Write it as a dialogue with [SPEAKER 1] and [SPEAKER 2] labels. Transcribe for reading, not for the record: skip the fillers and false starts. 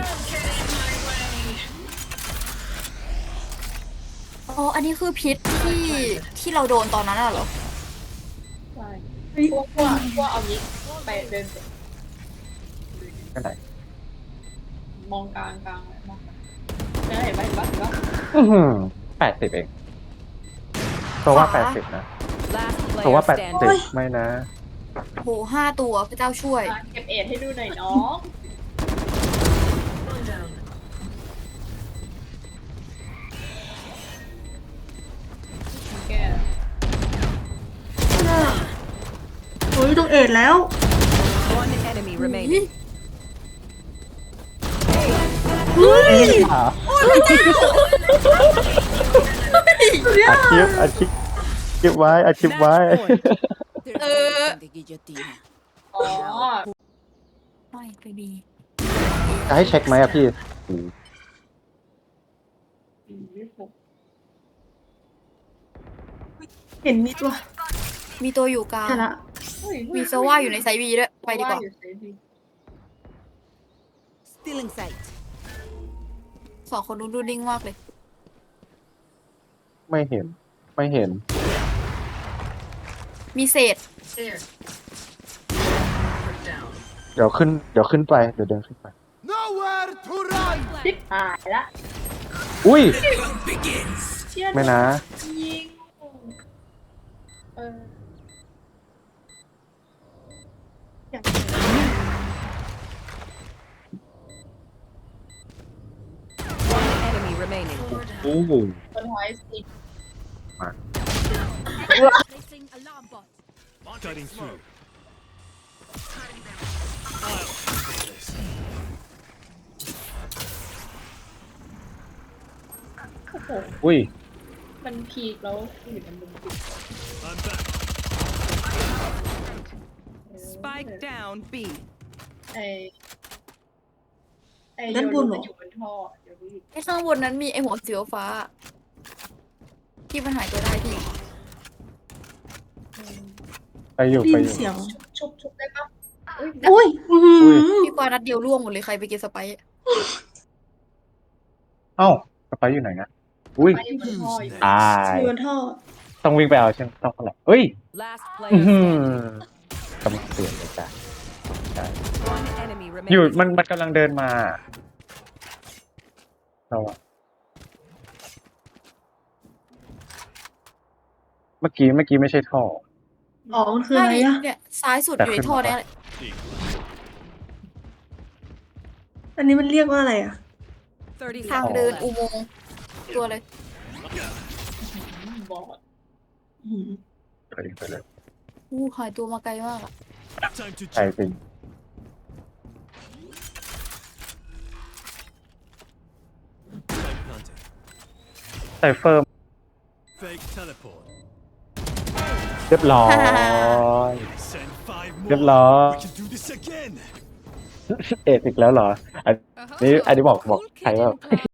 [SPEAKER 1] อ๋ออันนี้คือพิษที่เราโดนตอนนั้นเหรอ
[SPEAKER 2] ใช่พวกเอายิงไปเดิน
[SPEAKER 3] ก็ไหน
[SPEAKER 2] มองกลางเลยมองเห็นปะ
[SPEAKER 3] 80เองตัวว่า80นะตัวว่า80ไม่นะ
[SPEAKER 1] โห5 ตัวพระเจ้าช่วย
[SPEAKER 2] เก็บเอ็ดให้ดูหน่อยน้อง แก
[SPEAKER 4] โอ้ยต้องเอ็ดแล้ว
[SPEAKER 5] One enemy remaining.
[SPEAKER 3] อาชีพไว้อาชีพไว้
[SPEAKER 5] The guillotine.
[SPEAKER 2] อ๋อ
[SPEAKER 1] ไม่ไปดี
[SPEAKER 3] จะให้เช็คไหมอะพี่
[SPEAKER 4] เห็นมีตัว
[SPEAKER 1] มีตัวอยู่กลาง
[SPEAKER 4] ใช่ละ
[SPEAKER 1] มีโซว่าอยู่ในไซบีด้วยไปดีกว่า
[SPEAKER 5] Still in sight.
[SPEAKER 1] 2 คนนู้นดูนิ่งมากเลย
[SPEAKER 3] ไม่เห็น ไม่เห็น
[SPEAKER 1] มีเศษ
[SPEAKER 3] เดี๋ยวขึ้นไปเดี๋ยวเดินขึ้นไป
[SPEAKER 6] Nowhere to run!
[SPEAKER 2] ชิบหายละ
[SPEAKER 3] อุ้ย
[SPEAKER 2] เชี่ย
[SPEAKER 3] ไม่นะ
[SPEAKER 2] ยิงเออ
[SPEAKER 5] One enemy remaining.
[SPEAKER 3] อู้หู
[SPEAKER 2] คนหอยสิ
[SPEAKER 5] Placing alarm bot.
[SPEAKER 6] Cutting through.
[SPEAKER 2] โอ้โห
[SPEAKER 3] อุ้ย
[SPEAKER 2] มันพีกแล้วอยู่ในมุมปิด
[SPEAKER 6] I'm back.
[SPEAKER 5] Spike down B.
[SPEAKER 2] ไอไอ
[SPEAKER 4] ด้านบนเหรอ
[SPEAKER 2] อยู่บนท่อเดี๋ยวดูดิ
[SPEAKER 1] ไอ้ข้างบนนั้นมีไอ้หัวสีฟ้า ที่มันหายตัวได้พี่
[SPEAKER 3] ไปอยู่
[SPEAKER 4] ได้
[SPEAKER 3] ไป
[SPEAKER 4] ยิ
[SPEAKER 3] อน ยู่
[SPEAKER 4] เสียง
[SPEAKER 2] ชุบได้ปะ
[SPEAKER 4] อุ้ยอื้อหือ
[SPEAKER 1] พี่กวานัดเดียวร่วงหมดเลยใครไปกินสไปซ์
[SPEAKER 3] เอ้าสไปอยู่ไหนนะอุ้ย
[SPEAKER 2] ไปอยู่บนท่ออยู่
[SPEAKER 3] ตาย
[SPEAKER 4] อยู่บนท่อ
[SPEAKER 3] ต้องวิ่งไปเอาใช่ไหมต้องเท่าไหร่เฮ้ย
[SPEAKER 5] Last
[SPEAKER 3] อื้อ
[SPEAKER 5] player
[SPEAKER 3] หือ
[SPEAKER 5] standing.
[SPEAKER 3] กำลังเปลี่ยนเลยจ้ะ
[SPEAKER 5] One enemy
[SPEAKER 3] อยู่
[SPEAKER 5] remaining.
[SPEAKER 3] มันกำลังเดินมาเราอะเมื่อกี้ไม่ใช่ท่อ
[SPEAKER 4] อ๋อมันคืออะไรอะ
[SPEAKER 1] เนี่ยซ้ายสุดอยู่ในท่อเนี่ยแหละ
[SPEAKER 4] อันนี้มันเรียกว่าอะไรอะ
[SPEAKER 5] 30
[SPEAKER 1] ทาง
[SPEAKER 5] seconds
[SPEAKER 1] เดิน
[SPEAKER 5] left.
[SPEAKER 1] อุโมงค์ตัวเลย
[SPEAKER 2] บอด
[SPEAKER 4] อื้อหือ
[SPEAKER 3] ไปเลย
[SPEAKER 1] หายตัวมาไกลมากอะ
[SPEAKER 6] Time to
[SPEAKER 3] ใช่
[SPEAKER 6] check.
[SPEAKER 3] จริง
[SPEAKER 6] Spike planted.
[SPEAKER 3] ไซเฟอร์
[SPEAKER 6] Fake teleport.
[SPEAKER 3] เรียบร้อย
[SPEAKER 6] Send 5
[SPEAKER 3] เรียบ
[SPEAKER 6] more.
[SPEAKER 3] ร้อย
[SPEAKER 6] We can do this again.
[SPEAKER 3] เอ็ดอีกแล้วเหรอ อันนี้บอกใครว่า